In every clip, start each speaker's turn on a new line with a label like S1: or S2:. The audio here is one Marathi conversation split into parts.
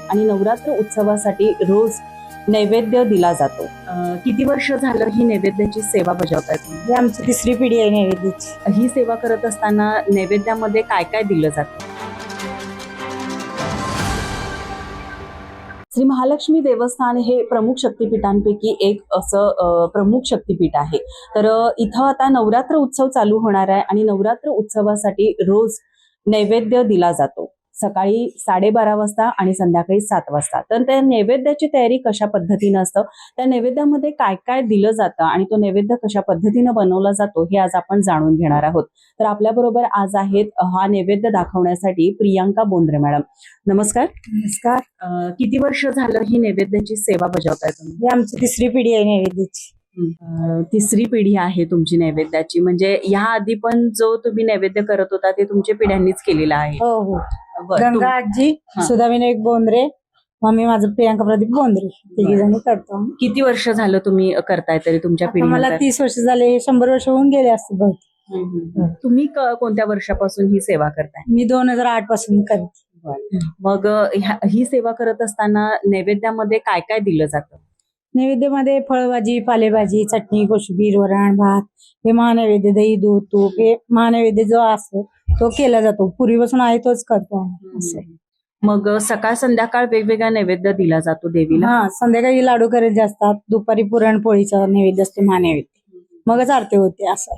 S1: आणि नवरात्र उत्सवासाठी रोज नैवेद्य दिला जातो। किती वर्ष झालं ही नैवेद्याची सेवा बजावताय तुम्ही?
S2: ही आमची तिसरी पिढी आहे नैवेद्याची।
S1: ही सेवा करत असताना नैवेद्यामध्ये काय काय दिलं जातं? श्री महालक्ष्मी देवस्थान हे प्रमुख शक्तिपीठांपैकी एक असं प्रमुख शक्तिपीठ आहे। तर इथं आता नवरात्र उत्सव चालू होणार आहे आणि नवरात्र उत्सवासाठी रोज नैवेद्य दिला जातो, सकाळी 12:30 वाजता आणि संध्याकाळी 7 वाजता। तर त्या नैवेद्याची तयारी कशा पद्धतीनं असतं, त्या नैवेद्यामध्ये काय काय दिलं जातं आणि तो नैवेद्य कशा पद्धतीनं बनवला जातो हे आज आपण जाणून घेणार आहोत। तर आपल्या बरोबर आज आहेत हा नैवेद्य दाखवण्यासाठी प्रियांका बोंद्रे मॅडम। नमस्कार।
S2: नमस्कार।
S1: किती वर्ष झालं ही नैवेद्याची सेवा बजावताय तुम्ही?
S2: ही आमची तिसरी पिढी आहे नैवेद्याची।
S1: तिसरी पिढी आहे तुमची नैवेद्याची, म्हणजे या आधी पण जो तुम्ही नैवेद्य करत होता ते तुमच्या पिढ्यांनीच केलेला आहे?
S2: हो हो।
S1: बरं,
S2: गंगा आजी,
S1: हा.
S2: सुधा विनायक बोंद्रे, मम्मी माझं प्रियांका प्रदीप बोंद्रे, तिघी जणी करतो।
S1: किती वर्ष झालं तुम्ही करताय तरी तुमच्या
S2: आता मला
S1: पिढीनंतर?
S2: 30 वर्ष झाले, 100 वर्ष होऊन गेले असते बहुतेक।
S1: तुम्ही कोणत्या वर्षापासून ही सेवा करताय?
S2: मी 2008 पासून करते।
S1: मग ही सेवा करत असताना नैवेद्यामध्ये काय काय दिलं जातं?
S2: नैवेद्यामध्ये फळभाजी, पालेभाजी, चटणी, कोशिंबीर, वरण, भात, हे महानैवेद्य, दही, दूध, तूप, हे महानैवेद्य जो असतो तो केला जातो। पूर्वीपासून आहे तोच करतो आम्ही। असं आहे।
S1: मग सकाळ संध्याकाळ वेगवेगळा नैवेद्य दिला जातो देवीला?
S2: हा, संध्याकाळी लाडू करायचे असतात, दुपारी पुरणपोळीचा नैवेद्य असतो, महानैवेद्य, मगच आरती होते। असं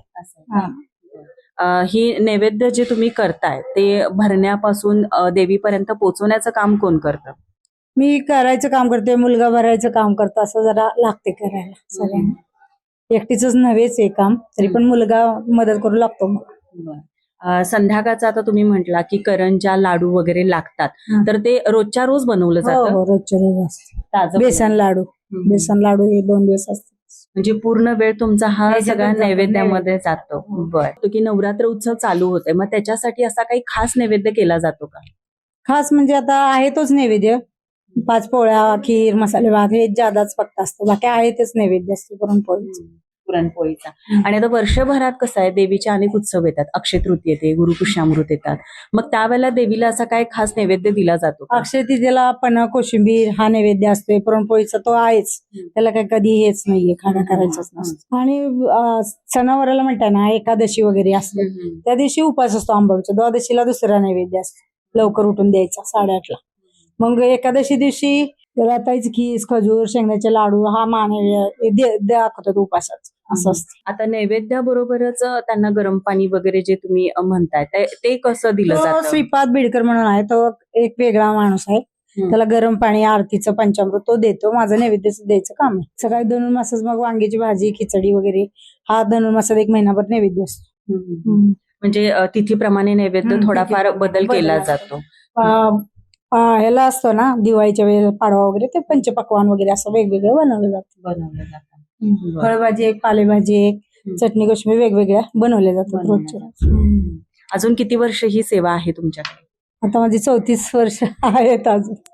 S2: आहे।
S1: ही नैवेद्य जे तुम्ही करताय ते भरण्यापासून देवीपर्यंत पोहोचवण्याचं काम कोण करतं?
S2: मी करायचं काम करते, मुलगा भरायचं काम करतो, असं जरा लागते करायला सगळ्यांना। एकटीच नव्हेच हे काम, तरी पण मुलगा मदत करू लागतो मला।
S1: संध्याकाळचा आता तुम्ही म्हटला की करंजा, लाडू वगैरे लागतात, तर ते रोजच्या रोज बनवलं
S2: हो
S1: जातं?
S2: हो, रोजच्या रोज असतं।
S1: ताजं
S2: बेसन लाडू, बेसन लाडू हे 2 दिवस असतात।
S1: म्हणजे पूर्ण वेळ तुमचा हा
S2: ह्याच्यातच
S1: सगळा
S2: जातो,
S1: नैवेद्यामध्ये जातो। बरं, की नवरात्र उत्सव चालू होते, मग त्याच्यासाठी असा काही खास नैवेद्य केला जातो का?
S2: खास म्हणजे आता आहे तोच नैवेद्य, 5 पोळ्या, खीर, मसाले भात, हे जादाच फक्त असतं, बाकी आहे तेच नैवेद्य असतं पुरणपोळीचं।
S1: पुरणपोळीचा। आणि आता वर्षभरात कसं आहे, देवीचे अनेक उत्सव येतात, अक्षय तृतीया येते, गुरुपुष्यामृत येतात, मग त्यावेळेला देवीला असा काय खास नैवेद्य दिला जातो का?
S2: अक्षय तृतीयेला पण कोशिंबीर हा नैवेद्य असतोय, पुरणपोळीचा तो आहेच, त्याला काही कधी हेच नाहीये, खाणं करायचंच नसतं। आणि सणावाराला म्हणताय ना, एकादशी वगैरे असते, त्या दिवशी उपास असतो आंबाबाईचा, द्वादशीला दुसरा नैवेद्य असतो, लवकर उठून द्यायचा 8:30ला। मग एकादशी दिवशी राताईच खीस, खजूर, शेंगण्याचे लाडू हा नैवेद्य दाखवतात उपासाचं, असं असतं।
S1: आता नैवेद्याबरोबरच त्यांना गरम पाणी वगैरे जे तुम्ही म्हणताय ते कसं दिलं जातं?
S2: श्रीपाद बिडकर म्हणून आहे, तो एक वेगळा माणूस आहे, त्याला गरम पाणी, आरतीचं पंचामृत तो देतो, माझं नैवेद्याचं द्यायचं काम आहे। सकाळी धनुर्मासात मग वांग्याची भाजी, खिचडी वगैरे हा धनुर्मासात 1 महिनाभर नैवेद्य असतो।
S1: म्हणजे तिथीप्रमाणे नैवेद्य थोडाफार बदल केला जातो।
S2: ह्याला असतो ना दिवाळीच्या वेळेला पाडवा वगैरे, ते पंचपक्वान वगैरे असं वेगवेगळं बनवलं जातं। फळभाजी एक, पालेभाजी एक, चटणी, कोशिंबीर वेगवेगळ्या बनवल्या जातात रोजच्या।
S1: अजून किती वर्ष ही सेवा आहे तुमच्याकडे?
S2: आता माझी 34 वर्ष आहेत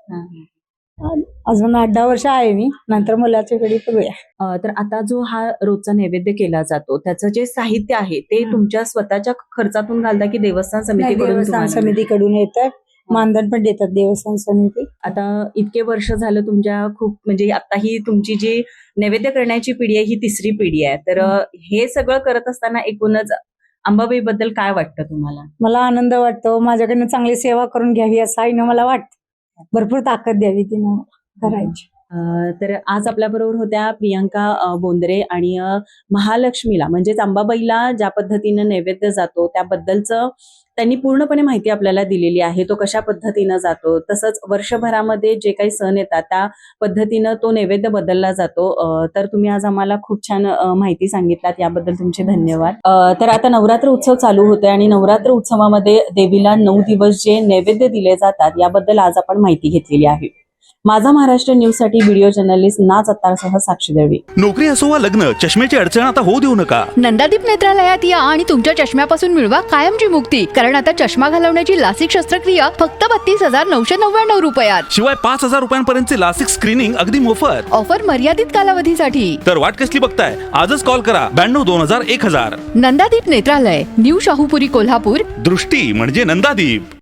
S2: अजून 8-10 वर्ष आहे मी, नंतर मुलाच्या कडे बघूया।
S1: तर आता जो हा रोजचा नैवेद्य केला जातो त्याचं जे साहित्य आहे ते तुमच्या स्वतःच्या खर्चातून घालता की देवस्थान
S2: समितीकडून येतं, मानधन पण देतात देवस्थान समिती।
S1: आता इतके वर्ष झालं तुमच्या खूप, म्हणजे आता ही तुमची जी नैवेद्य करण्याची पिढी आहे ही तिसरी पिढी आहे, तर हे सगळं करत असताना एकूणच अंबाबाई बद्दल काय वाटतं तुम्हाला?
S2: मला आनंद वाटतो, माझ्याकडनं चांगली सेवा करून घ्यावी असं आईनं मला वाटतं, भरपूर ताकद द्यावी तिनं करायची।
S1: तर आज आपल्या बरोबर होत्या प्रियांका बोंद्रे, आणि महालक्ष्मीला म्हणजेच अंबाबाईला ज्या पद्धतीनं नैवेद्य जातो त्याबद्दलचं त्यांनी पूर्णपणे माहिती आपल्याला दिलेली आहे, तो कशा पद्धतीनं जातो, तसंच वर्षभरामध्ये जे काही सण येतात त्या पद्धतीनं तो नैवेद्य बदलला जातो। तर तुम्ही आज आम्हाला खूप छान माहिती सांगितलात, याबद्दल तुमचे धन्यवाद। तर आता नवरात्र उत्सव चालू होते आणि नवरात्र उत्सवामध्ये देवीला 9 दिवस जे नैवेद्य दिले जातात याबद्दल आज आपण माहिती घेतलेली आहे। माझा महाराष्ट्र न्यूज साठी व्हिडिओ जर्नलिस्ट नाच अत्तारसह साक्षी दळवी।
S3: नोकरी असो वा लग्न, चष्म्याची अडचण आता होऊ देऊ नका।
S4: नंदादीप नेत्रालयात या आणि तुमच्या चष्म्यापासून मिळवा कायमची मुक्ती, कारण आता चष्मा घालवण्याची लासिक शस्त्रक्रिया फक्त 32,999 रुपयात,
S3: शिवाय 5,000 रुपयांपर्यंतचे लासिक स्क्रीनिंग अगदी मोफत।
S4: ऑफर मर्यादित कालावधीसाठी।
S3: तर वाट कसली बघताय, आजच कॉल करा 92 2000 1000।
S4: नंदादीप नेत्रालय, न्यू शाहूपुरी, कोल्हापूर।
S3: दृष्टी म्हणजे नंदादीप।